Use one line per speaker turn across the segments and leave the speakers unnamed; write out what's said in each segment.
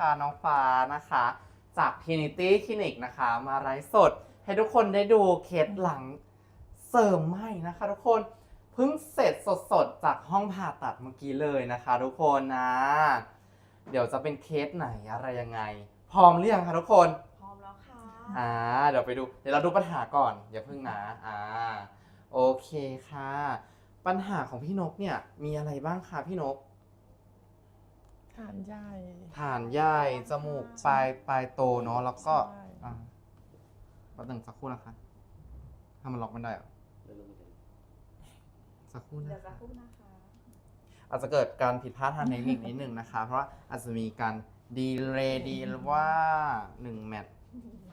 นะคะน้องฟ้านะคะจาก Trinity Clinic นะคะมาไลฟ์สดให้ทุกคนได้ดูเคสหลังเสริมใหม่นะคะทุกคนเพิ่งเสร็จสดๆจากห้องผ่าตัดเมื่อกี้เลยนะคะทุกคนนะเดี๋ยวจะเป็นเคสไหนอะไรยังไงพร้อมหรือยังคะทุกคน
พร้อมแล้วค่ะ
เดี๋ยวไปดูเดี๋ยวเราดูปัญหาก่อนอย่าเพิ่งนะโอเคค่ะปัญหาของพี่นกเนี่ยมีอะไรบ้างคะพี่นก
ฐานใหญ่
ฐานใหญ่จมูกปลายโตเนาะแล้วก็แป๊บนึงสักครู่นะคะถ้ามันล็อกไม่ได้เหรอสักครู่นะ
เดี๋ยวสักครู่นะคะ
อาจจะเกิดการผิดพลาดทางเทคนิคนิดนึงนะคะ เพราะว่าอาจจะมีการดีเลย์ดีว่า1 แมตช์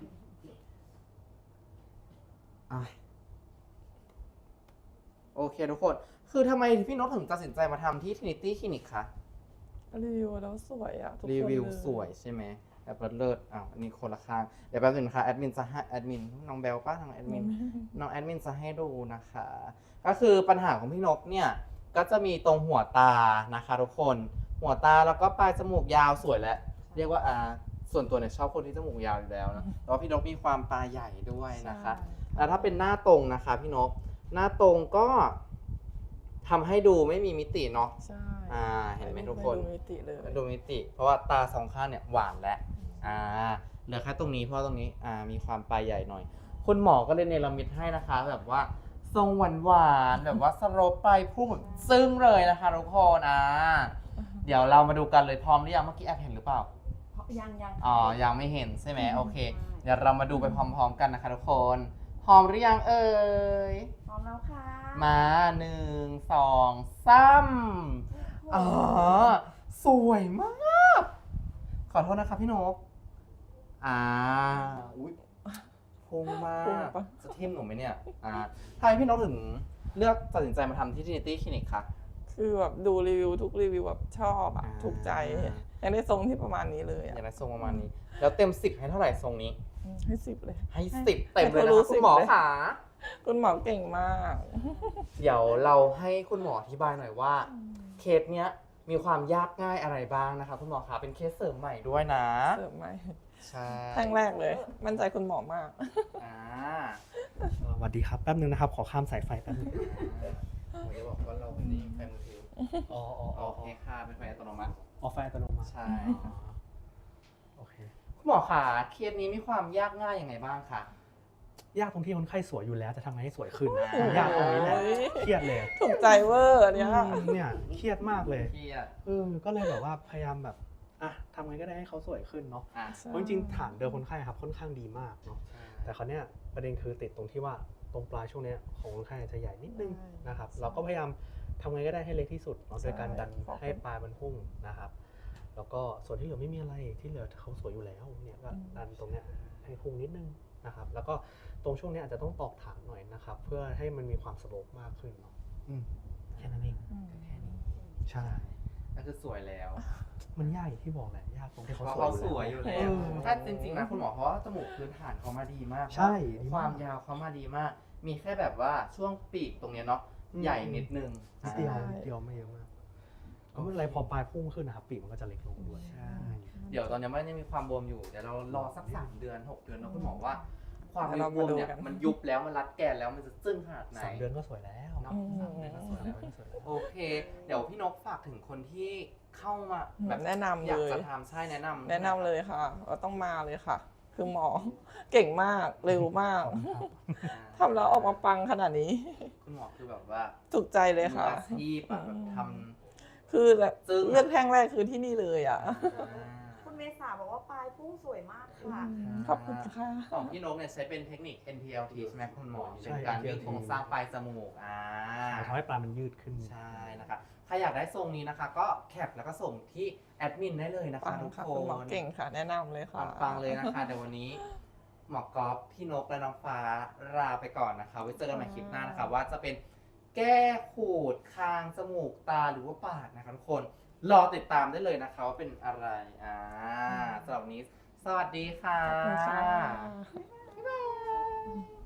โอเคทุกคนคือทำไมพี่นกถึงตัดสินใจมาทำที่ Trinity Clinic คะ
รีวิวแล้วสวยอ่ะทุกคน
รีวิวสวยใช่ไหมแบบเลิศอันนี้คนละข้างเดี๋ยวแป๊บนึงนะคะแอดมินจะให้แอดมินน้องเบลป้าทางแอดมินน้องแอดมินจะให้ดูนะคะก็คือปัญหาของพี่นกเนี่ยก็จะมีตรงหัวตานะคะทุกคนหัวตาแล้วก็ปลายจมูกยาวสวยแล้วเรียกว่าส่วนตัวเนี่ยชอบคนที่จมูกยาวอยู่แล้วนะแต่ว่าพี่นกมีความปลายใหญ่ด้วยนะคะแล้วถ้าเป็นหน้าตรงนะคะพี่นกหน้าตรงก็ทำให้ดูไม่มีมิติเนาะ
ใช่
เห็นไหมทุกคน
ดูมิติเลย
ดูมิติเพราะว่าตาสองข้างเนี่ยหวานแล้วเหลือแค่ตรงนี้เพราะตรงนี้มีความปลายใหญ่หน่อยคุณหมอก็เลยเนรมิตให้นะคะแบบว่าทรงหวานแบบว่าสโลปปลายพุ่งแบบซึ้งเลยนะคะทุกคนเดี๋ยวเรามาดูกันเลยพร้อมหรือยังเมื่อกี้แอบเห็นหรือเปล่า
ยัง
ยังไม่เห็นใช่ไหมโอเคเดี๋ยวเรามาดูไปพร้อมๆกันนะคะทุกคนพร้อมหรือยังเอ่ย
พร้อมแล้วค่ะ
มา1 2 3สวยมากขอโทษนะคะพี่นกอุ๊ยพุ่งมากจะทิ่มหนูไหมเนี่ยทำไมพี่นกถึงเลือกตัดสินใจมาทำที่ Trinity Clinic คะ
คือแบบดูรีวิวทุกรีวิวแบบชอบถูกใจอยากได้ทรงที่ประมาณนี้เลย
อยากได้ทรงประมาณนี้แล้วเต็ม10ให้เท่าไหร่ทรงนี้
ให้10เลย
ให้10เต็มเลยนะคะคุณหมอค่ะ
คุณหมอเก่งมาก
เดี๋ยวเราให้คุณหมออธิบายหน่อยว่าเคสเนี้ยมีความยากง่ายอะไรบ้างนะคะคุณหมอคะเป็นเคสเสริมใหม่ด้วยนะ
เสริมใหม่
ใช่
ครั้งแรกเลยมั่นใจคุณหมอมาก
สวัสดีครับแป๊บนึงนะครับขอข้ามสายไฟแป๊บนึง
ผมจะบอกว่าเราเป็นไฟมือถือโอเคค่ะเป็นไฟอัตโนมัติ
ไฟอัตโนมัติ
ใช่
โอเค
คุณหมอคะเคสนี้มีความยากง่ายยังไงบ้างคะ
ยากตรงที่คนไข้สวยอยู่แล้วจะทำไงให้สวยขึ้นยากตรงนี้แหละเครียดเลย
ถูกใจเวอร์เนี่ย
เครียดมากเลย
เครียด
ก็เลยแบบว่าพยายามแบบทำไงก็ได้ให้เขาสวยขึ้นเนาะเพราะจริงๆฐานเดิมคนไข้ครับค่อนข้างดีมากเนาะแต่คราวเนี้ยประเด็นคือติดตรงที่ว่าตรงปลายช่วงนี้ของคนไข้จะใหญ่นิดนึงนะครับเราก็พยายามทำไงก็ได้ให้เล็กที่สุดโดยการดันให้ปลายมันพุ่งนะครับแล้วก็ส่วนที่เหลือไม่มีอะไรที่เหลือเขาสวยอยู่แล้วเนี่ยก็ดันตรงเนี้ยให้พุ่งนิดนึงนะครับแล้วก็ตรงช่วงนี้อาจจะต้องตอกฐานหน่อยนะครับเพื่อให้มันมีความสโลปมากขึ้นเนาะแค่นั้นเอง
แค่นี้
ใช่
ก็คือสวยแล้ว
มันยากอย่างที่บอกแหละยากตรงที่เขา
สวยอยู่แล้วถ้าจริงๆนะคุณหมอเพราะว่าจมูกพื้นฐานเขามาดีมาก
ใช่
ความยาวเขามาดีมากมีแค่แบบว่าช่วงปีกตรงนี้เนาะใหญ่นิดนึง
เดียวไม่เยอะมากก็ไม่เป็นไรพอปลายพุ่งขึ้นนะครับปีกมันก็จะเล็กลงด้วย
ใช่เดี๋ยวตอนนี้มันยังมีความบวมอยู่เดี๋ยวเรารอสัก3 เดือน6 เดือนนะคุณหมอว่าความบวมเนี่ยมันยุบแล้วมันรัดแกนแล้วมันจะซึ้งขนาดไหน
3 เดือนก็สวยแล้ว
เนาะ3 เดือนก็สวยแล้วโอเคเดี๋ยวพี่นกฝากถึงคนที่เข้ามา
แบบแนะนำเลย
อยากจะทำใช่แนะน
ำเลยค่ะเราต้องมาเลยค่ะคือหมอเก่งมากเร็วมากทำแล้วออกมาปังขนาดนี้
คุณหมอคือแบบว่า
ถูกใจเลยค่ะ
ที่แบบท
ำคือแบบเลือกแท่งแรกคือที่นี่เลย
คุณเมษาบอกว่าปลายพุ่งสวยมากค่ะ
ขอบคุณค่ะ
ของพี่นกเนี่ยใช้เป็นเทคนิค NPLT ใช่ไหมคุณหมอเป็นการยืดโครงสร้างปลายจมูก
ทำให้ปลายมันยืดขึ้น
ใช่นะคะใครอยากได้ทรงนี้นะคะก็แคปแล้วก็ส่งที่แอดมินได้เลยนะคะทุกคน
หมอเก่งค่ะแนะนำเลยค่ะ
ปังเลยนะคะเดี๋ยววันนี้หมอกอล์ฟพี่นกและน้องฟ้าลาไปก่อนนะคะไว้เจอกันใหม่คลิปหน้านะคะว่าจะเป็นแก้ขูดคางจมูกตาหรือว่าปากนะคะทุกคนรอติดตามได้เลยนะคะว่าเป็นอะไรสำหรับวันนี้สวัสดีค่ะ
ขอบคุณค่ะ
บ๊ายบาย